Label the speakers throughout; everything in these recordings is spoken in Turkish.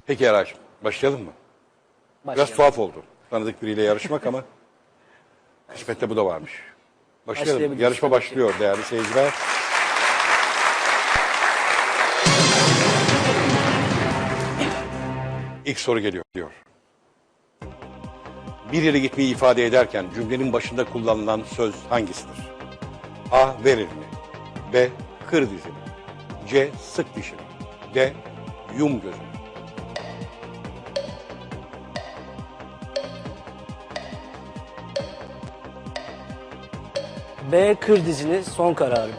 Speaker 1: Peki Eray'cığım, başlayalım mı? Biraz tuhaf oldu. Tanıdık biriyle yarışmak ama kısmette bu da varmış. Başlayalım. Yarışma başlıyor değerli seyirciler. İlk soru geliyor diyor. Bir yere gitmeyi ifade ederken cümlenin başında kullanılan söz hangisidir? A. Ver elini. B. Kır dizini. C. Sık dişini. D. Yum gözünü.
Speaker 2: B. Kır dizini, son kararım.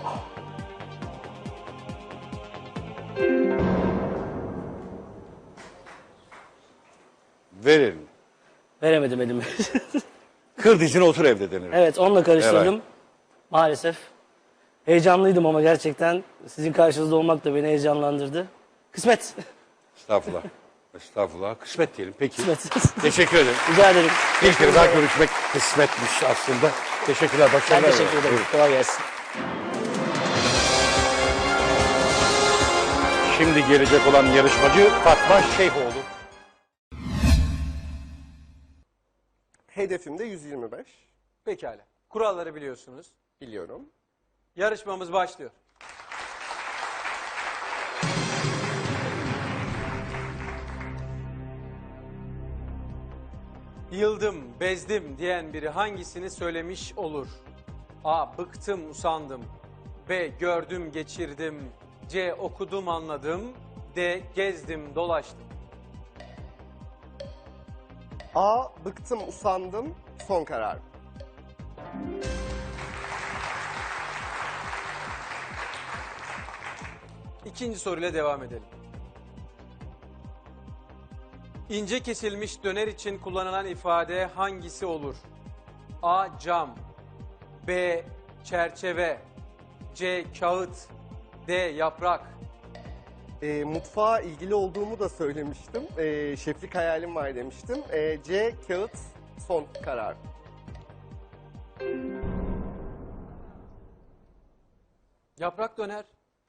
Speaker 1: Ver elini.
Speaker 2: Veremedim elimi.
Speaker 1: Kır dizine otur evde denir.
Speaker 2: Evet, onunla karıştırdım.
Speaker 1: Evet.
Speaker 2: Maalesef. Heyecanlıydım ama gerçekten sizin karşınızda olmak da beni heyecanlandırdı. Kısmet.
Speaker 1: Estağfurullah. Estağfurullah. Kısmet diyelim. Peki.
Speaker 2: Kısmet.
Speaker 1: Teşekkür ederim.
Speaker 2: Rica ederim.
Speaker 1: Bir kere daha görüşmek kısmetmiş aslında. Teşekkürler.
Speaker 2: Ben
Speaker 1: Başarılar.
Speaker 2: teşekkür ederim.
Speaker 1: Buyurun.
Speaker 2: Kolay gelsin.
Speaker 1: Şimdi gelecek olan yarışmacı Fatma Şeyhoğlu.
Speaker 3: Hedefim de 125.
Speaker 4: Pekala. Kuralları biliyorsunuz.
Speaker 3: Biliyorum.
Speaker 4: Yarışmamız başlıyor. Yıldım, bezdim diyen biri hangisini söylemiş olur? A. Bıktım, usandım. B. Gördüm, geçirdim. C. Okudum, anladım. D. Gezdim, dolaştım.
Speaker 3: A. Bıktım, usandım. Son karar.
Speaker 4: İkinci soruyla devam edelim. İnce kesilmiş döner için kullanılan ifade hangisi olur? A. Cam. B. Çerçeve. C. Kağıt. D. Yaprak.
Speaker 3: Mutfağa ilgili olduğumu da söylemiştim. Şeflik hayalim var demiştim. C. Kağıt. Son karar.
Speaker 4: Yaprak döner.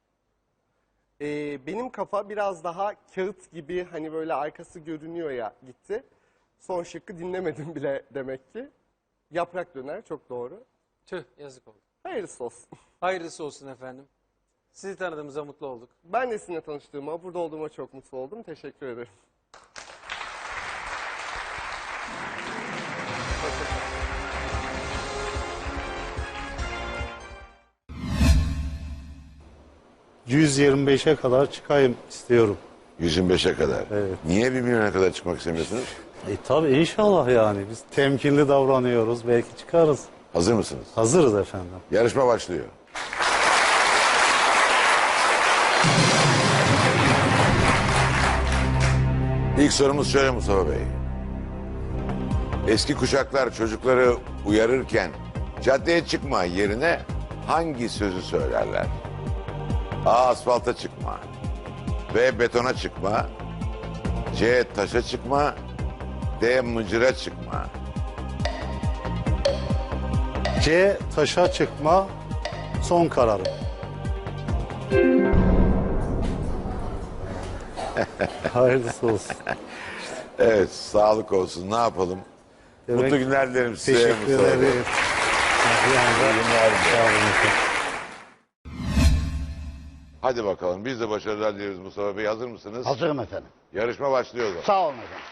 Speaker 3: Benim kafa biraz daha kağıt gibi hani böyle arkası görünüyor ya gitti. Son şıkkı dinlemedim bile demek ki. Yaprak döner çok doğru.
Speaker 4: Tüh, yazık oldu.
Speaker 3: Hayırlısı olsun.
Speaker 4: Hayırlısı olsun efendim. Sizi tanıdığımıza mutlu olduk.
Speaker 3: Ben de sizinle tanıştığıma, burada olduğuma çok mutlu oldum. Teşekkür ederim.
Speaker 5: 125'e kadar çıkayım istiyorum.
Speaker 6: 125'e kadar.
Speaker 5: Evet.
Speaker 6: Niye 1 milyona kadar çıkmak istemiyorsunuz?
Speaker 5: Tabii inşallah yani biz temkinli davranıyoruz, belki çıkarız.
Speaker 6: Hazır mısınız?
Speaker 5: Hazırız efendim.
Speaker 6: Yarışma başlıyor. İlk sorumuz şöyle Mustafa Bey. Eski kuşaklar çocukları uyarırken caddeye çıkma yerine hangi sözü söylerler? A. Asfalta çıkma. B. Betona çıkma. C. Taşa çıkma. D. Mıcıra çıkma.
Speaker 5: C. Taşa çıkma, son kararım. Hayırlısı olsun.
Speaker 6: Evet, sağlık olsun. Ne yapalım?
Speaker 5: Demek-
Speaker 6: Mutlu günler dilerim size
Speaker 5: Teşekkür
Speaker 6: Mustafa Bey.
Speaker 5: ederim. Sağ olun efendim.
Speaker 6: Hadi bakalım. Biz de başarılar dileriz Mustafa Bey. Hazır mısınız?
Speaker 7: Hazırım efendim.
Speaker 6: Yarışma başlıyor.
Speaker 7: Sağ olun efendim.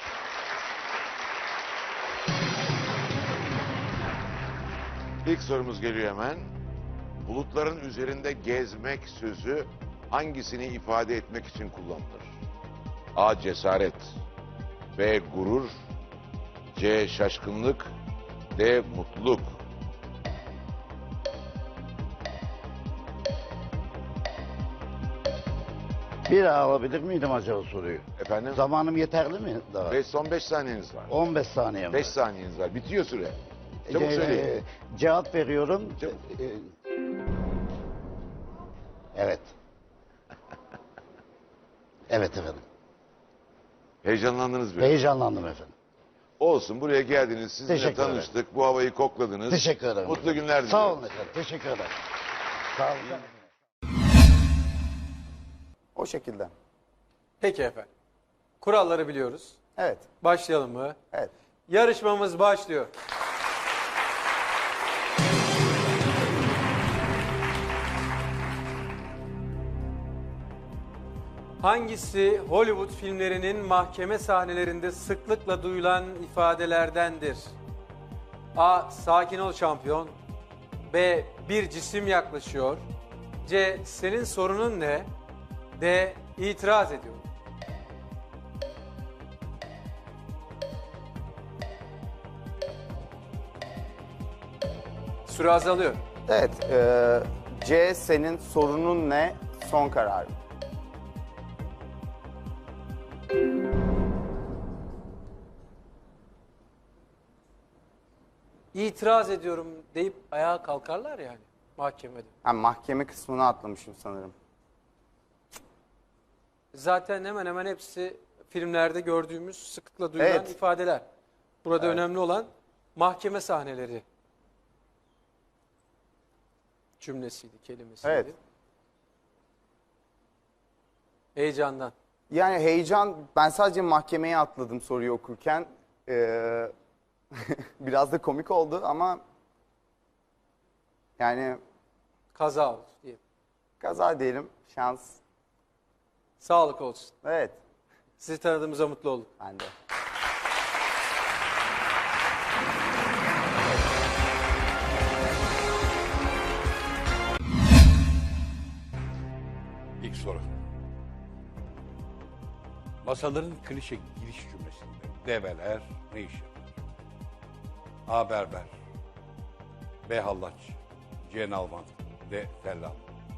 Speaker 6: İlk sorumuz geliyor hemen. Bulutların üzerinde gezmek sözü hangisini ifade etmek için kullanılır? A. Cesaret. B. Gurur. C. Şaşkınlık. D. Mutluluk.
Speaker 7: Bir daha alabilir miydim acaba soruyu?
Speaker 6: Efendim?
Speaker 7: Zamanım yeterli mi daha?
Speaker 6: Son 5 saniyeniz var.
Speaker 7: 15 saniye mi?
Speaker 6: 5 saniyeniz var. Bitiyor süre. Çabuk
Speaker 7: Ee,
Speaker 6: söyleyin.
Speaker 7: Cevap veriyorum.
Speaker 6: Çabuk.
Speaker 7: Evet. Evet efendim.
Speaker 6: Heyecanlandınız biraz.
Speaker 7: Heyecanlandım efendim.
Speaker 6: Olsun, buraya geldiniz, sizinle
Speaker 7: Teşekkür ederim.
Speaker 6: tanıştık, bu havayı kokladınız.
Speaker 7: Teşekkür ederim.
Speaker 6: Mutlu günler diliyorum.
Speaker 7: Sağ olun efendim. Teşekkür ederim. Sağ olun.
Speaker 3: O şekilde.
Speaker 4: Peki efendim. Kuralları biliyoruz.
Speaker 8: Evet.
Speaker 4: Başlayalım mı?
Speaker 8: Evet.
Speaker 4: Yarışmamız başlıyor. Hangisi Hollywood filmlerinin mahkeme sahnelerinde sıklıkla duyulan ifadelerdendir? A. Sakin ol şampiyon. B. Bir cisim yaklaşıyor. C. Senin sorunun ne? D. İtiraz ediyorum. Süre azalıyor.
Speaker 8: Evet. C senin sorunun ne? Son kararım.
Speaker 4: İtiraz ediyorum deyip ayağa kalkarlar yani mahkemede.
Speaker 8: Ha, mahkeme kısmını atlamışım sanırım.
Speaker 4: Zaten hemen hemen hepsi filmlerde gördüğümüz sıklıkla duyulan
Speaker 8: Evet.
Speaker 4: ifadeler. Burada önemli olan mahkeme sahneleri cümlesiydi, kelimesiydi.
Speaker 8: Evet.
Speaker 4: Heyecandan.
Speaker 8: Yani heyecan, ben sadece mahkemeye atladım soruyu okurken. Biraz da komik oldu ama yani
Speaker 4: Kaza oldu diye.
Speaker 8: kaza diyelim, şans.
Speaker 4: Sağlık olsun.
Speaker 8: Evet,
Speaker 4: Sizi tanıdığımıza mutlu olduk.
Speaker 8: ben de.
Speaker 1: İlk soru. Masaların klişe giriş cümlesinde develer ne iş yapar? A. Berber. B. Hallaç. C. Nalvan. D. Tellal.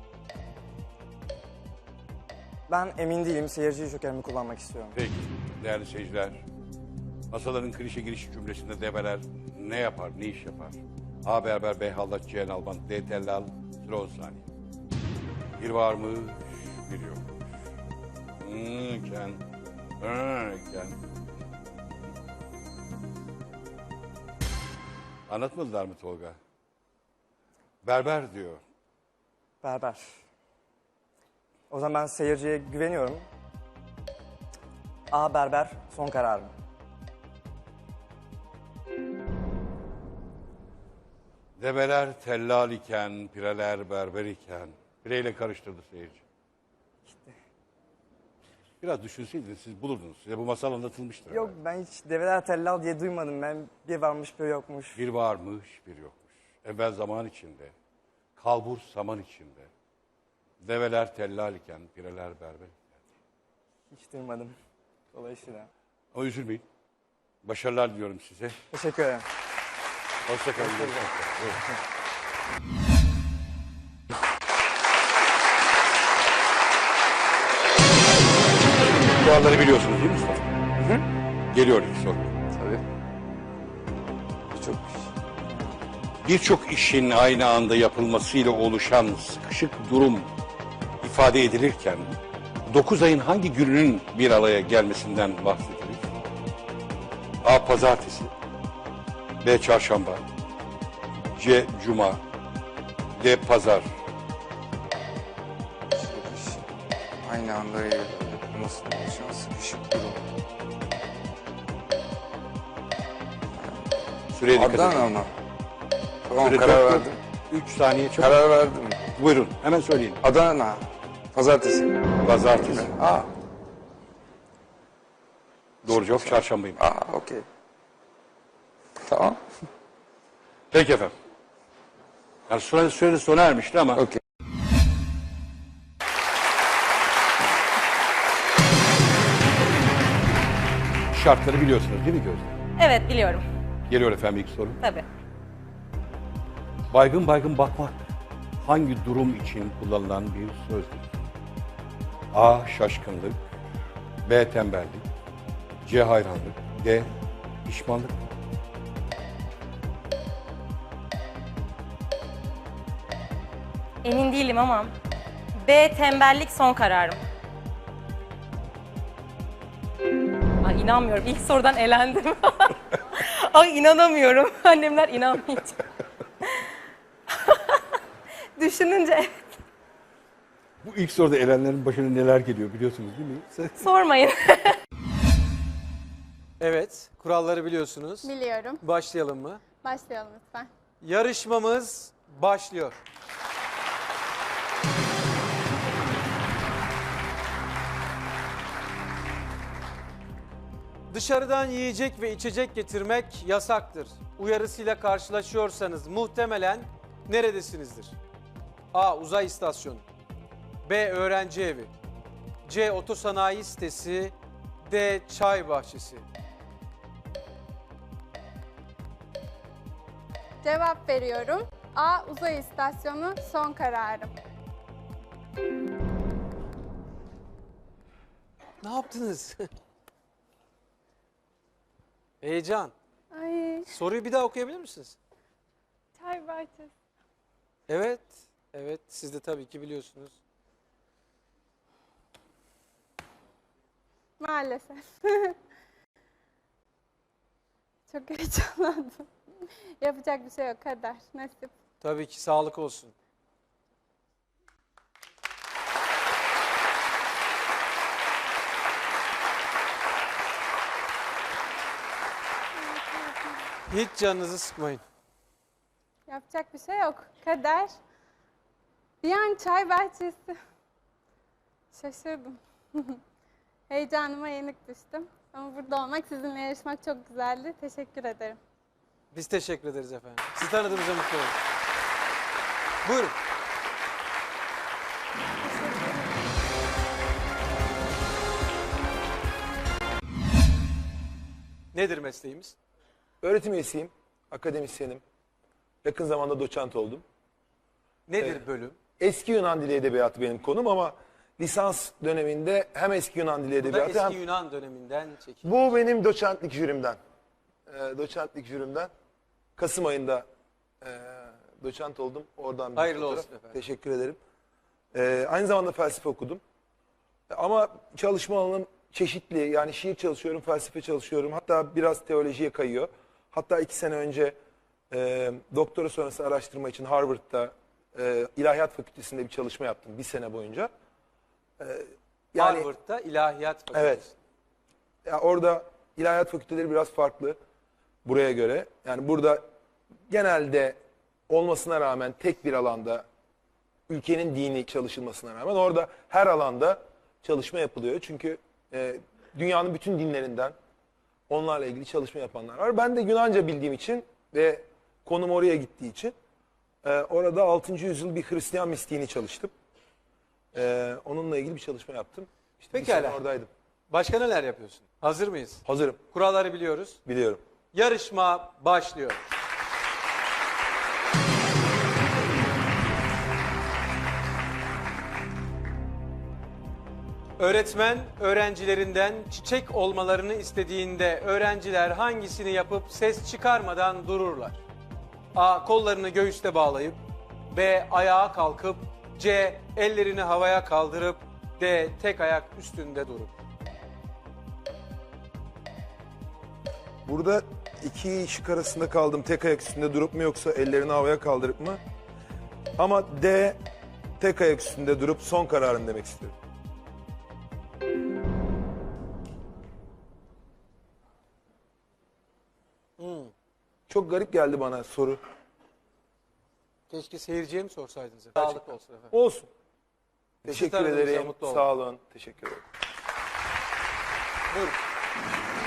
Speaker 9: Ben emin değilim. Seyirci jokerimi kullanmak istiyorum.
Speaker 1: Peki değerli seyirciler. Masaların klişe giriş cümlesinde develer ne yapar, ne iş yapar? A. Berber, B. Hallaç, C. Nalvan, D. Tellal. Süre 10 saniye. Bir varmış, bir yokmuş. Ken. Ken. Anlatmadılar mı Tolga? Berber diyor.
Speaker 9: Berber. O zaman ben seyirciye güveniyorum. A. Berber. Son kararım.
Speaker 1: Develer tellal iken, pireler berber iken. Pireyle karıştırdı seyirci. Biraz düşünseydiniz siz bulurdunuz. Size bu masal anlatılmıştır.
Speaker 9: Yok,
Speaker 1: herhalde.
Speaker 9: ben hiç develer tellal diye duymadım. Ben bir varmış bir yokmuş.
Speaker 1: Bir varmış, bir yokmuş. Evvel zaman içinde, kalbur saman içinde. Develer tellal iken, pireler berber iken.
Speaker 9: Hiç duymadım. Dolayısıyla.
Speaker 1: Ama üzülmeyin. Başarılar diliyorum size.
Speaker 9: Teşekkür ederim.
Speaker 1: Hoşçakalın. Buyurun. Kuralları biliyorsunuz değil mi Mustafa? Hı? Geliyor ilk soru.
Speaker 8: Tabii.
Speaker 1: Birçok işin aynı anda yapılmasıyla oluşan sıkışık durum ifade edilirken 9 ayın hangi gününün bir araya gelmesinden bahsedilir? A. Pazartesi. B. Çarşamba. C. Cuma. D. Pazar.
Speaker 10: Aynı anda nasıl oluşan sıkışık durum.
Speaker 1: Süreye dikkat edin.
Speaker 10: Adana mı? Tamam,
Speaker 1: Süre
Speaker 10: karar
Speaker 1: dört-
Speaker 10: verdim.
Speaker 1: 3 saniye çok.
Speaker 10: Karar verdim.
Speaker 1: Buyurun hemen söyleyin.
Speaker 10: Adana. Pazartesi.
Speaker 1: Pazartesi.
Speaker 10: Aa,
Speaker 1: Doğru cevap çarşambayım.
Speaker 10: okey. Tamam.
Speaker 1: Peki efendim. Yani süre sona ermişti ama
Speaker 10: Okey.
Speaker 1: şartları biliyorsunuz değil mi Gözde?
Speaker 11: Evet, biliyorum.
Speaker 1: Geliyor efendim ilk soru.
Speaker 11: Tabii.
Speaker 1: Baygın baygın bakmak hangi durum için kullanılan bir sözdür? A. Şaşkınlık. B. Tembellik. C. Hayranlık. D. Pişmanlık.
Speaker 11: Emin değilim ama B tembellik son kararım. Ay inanmıyorum. İlk sorudan elendim. Ay inanamıyorum. Annemler inanmayacak. Düşününce evet.
Speaker 1: Bu ilk soruda elenlerin başına neler geliyor biliyorsunuz değil mi?
Speaker 11: Sormayın.
Speaker 4: Evet, kuralları biliyorsunuz.
Speaker 12: Biliyorum.
Speaker 4: Başlayalım mı?
Speaker 12: Başlayalım lütfen.
Speaker 4: Yarışmamız başlıyor. Dışarıdan yiyecek ve içecek getirmek yasaktır. Uyarısıyla karşılaşıyorsanız muhtemelen neredesinizdir? A. Uzay istasyonu. B. Öğrenci evi. C. Otosanayi sitesi. D. Çay bahçesi.
Speaker 12: Cevap veriyorum. A. Uzay istasyonu son kararım.
Speaker 4: Ne yaptınız? Heyecan.
Speaker 12: Ay,
Speaker 4: Soruyu bir daha okuyabilir misiniz?
Speaker 12: çay bahçesi.
Speaker 4: Evet. Evet, siz de tabii ki biliyorsunuz.
Speaker 12: Maalesef. Çok heyecanlandım. Yapacak bir şey yok. Kader, nasip.
Speaker 4: Tabii ki sağlık olsun. Hiç canınızı sıkmayın.
Speaker 12: Yapacak bir şey yok. Kader. Bir an çay bahçesi. Şaşırdım. Heyecanıma yenik düştüm. Ama burada olmak, sizinle yarışmak çok güzeldi. Teşekkür ederim.
Speaker 4: Biz teşekkür ederiz efendim. Sizi tanıdığımıza mutlu olduk. Buyurun. Nedir mesleğimiz?
Speaker 13: Öğretim üyesiyim, akademisyenim. Yakın zamanda doçent oldum.
Speaker 4: Nedir bölüm?
Speaker 13: Eski Yunan Dili Edebiyatı benim konum ama lisans döneminde hem eski Yunan Dili
Speaker 4: Bu da
Speaker 13: Edebiyatı
Speaker 4: eski
Speaker 13: hem...
Speaker 4: Yunan döneminden çekim.
Speaker 13: Bu benim doçentlik jürimden. Doçentlik jürimden. Kasım ayında doçent oldum. Oradan bir
Speaker 4: Hayırlı
Speaker 13: fotoğraf.
Speaker 4: olsun efendim.
Speaker 13: Teşekkür ederim. Aynı zamanda felsefe okudum. Ama çalışma alanım çeşitli. Yani şiir çalışıyorum, felsefe çalışıyorum. Hatta biraz teolojiye kayıyor. Hatta 2 sene önce doktora sonrası araştırma için Harvard'da İlahiyat Fakültesi'nde bir çalışma yaptım 1 sene boyunca.
Speaker 4: Harvard'da İlahiyat Fakültesi.
Speaker 13: Evet. Ya orada ilahiyat fakülteleri biraz farklı buraya göre. Yani burada genelde olmasına rağmen tek bir alanda ülkenin dini çalışılmasına rağmen orada her alanda çalışma yapılıyor. Çünkü dünyanın bütün dinlerinden onlarla ilgili çalışma yapanlar var. Ben de Yunanca bildiğim için ve konum oraya gittiği için orada 6. yüzyıl bir Hristiyan mistiğini çalıştım. Onunla ilgili bir çalışma yaptım. İşte bir
Speaker 4: Pekala.
Speaker 13: sene oradaydım.
Speaker 4: Başka neler yapıyorsun? Hazır mıyız?
Speaker 13: Hazırım.
Speaker 4: Kuralları biliyoruz.
Speaker 13: Biliyorum.
Speaker 4: Yarışma başlıyor. Öğretmen öğrencilerinden çiçek olmalarını istediğinde öğrenciler hangisini yapıp ses çıkarmadan dururlar? A. Kollarını göğüste bağlayıp, B. Ayağa kalkıp, C. Ellerini havaya kaldırıp, D. Tek ayak üstünde durup.
Speaker 13: Burada iki şık arasında kaldım. Tek ayak üstünde durup mu yoksa ellerini havaya kaldırıp mı? Ama D, tek ayak üstünde durup son kararın demek istiyorum. Çok garip geldi bana soru.
Speaker 4: Keşke seyirciye mi sorsaydınız efendim? Sağlık olsun efendim.
Speaker 13: Olsun.
Speaker 4: Sizi
Speaker 13: Teşekkür
Speaker 4: tanıdığımıza
Speaker 13: ederim.
Speaker 4: mutlu oldum.
Speaker 13: Sağ olun. Teşekkür ederim.
Speaker 4: Buyurun.